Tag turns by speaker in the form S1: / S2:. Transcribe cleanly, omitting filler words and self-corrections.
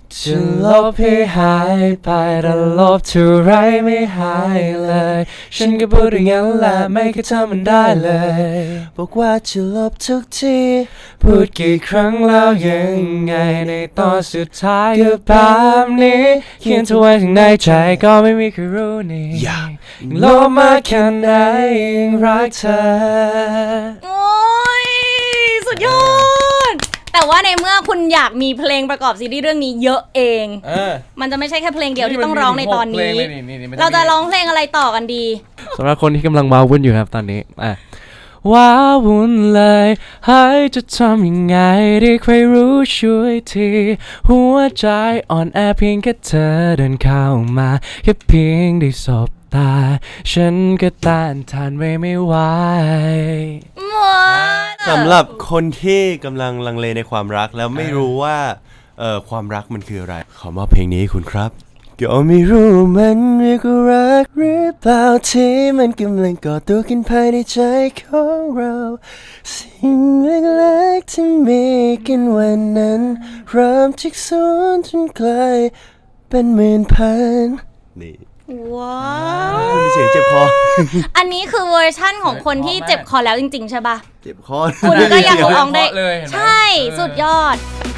S1: จะลบให้หายไปแต่ลบเท่าไรไม่หายเลยฉันก็พูดอย่างนั้นแหละไม่เคยทำมันได้เลยบอกว่าจะลบทุกทีพูดกี่ครั้งแล้วยังไงในตอนสุดท้ายก็แบบนี้เขียนเธอไว้ข้างในใจก็ไม่มีใครรู้นี่ลบมาแค่ไหนยังรักเธอ
S2: โอ้ยสุดยอดแต่ว่าในเมื่อคุณอยากมีเพลงประกอบซีรีส์เรื่องนี้เยอะเองมันจะไม่ใช่แค่เพลงเดียวที่ต้องร้องในตอนนี้เราจะร้องเพลงอะไรต่อกันดี
S1: สำหรับคนที่กำลังว้าวุ่นอยู่ครับตอนนี้ว้าวุ่นเลยให้จะทำยังไงได้ใครรู้ช่วยทีหัวใจอ่อนแอเพียงแค่เธอเดินเข้ามาแค่เพียงได้สบตาฉันก็ต้านทานไว้ไม่ไหว
S3: สำหรับคนที่กำลังลังเลในความรักแล้วไม่รู้ว่าความรักมันคืออะไรขอมอบเพลงนี้คุณครับก็ไม่รู้มันเรียกว่ารักหรือเปล่าที่มันกำลังก่อตัวขึ้นภายในใจของเราสิ่งเล็กๆที่มีกันวันนั้นเริ่มจากศูนย์จนกลายเป็นหมื่นพันนี่
S2: ว้าว
S3: มีเสียงเจ็บคอ
S2: อันนี้คือเวอร์ชั่นของคนที่เจ็บคอแล้วจริงๆใช่ปะ
S3: เจ็บคอ
S2: คุณก็ยังร้องได้ใช่สุดยอด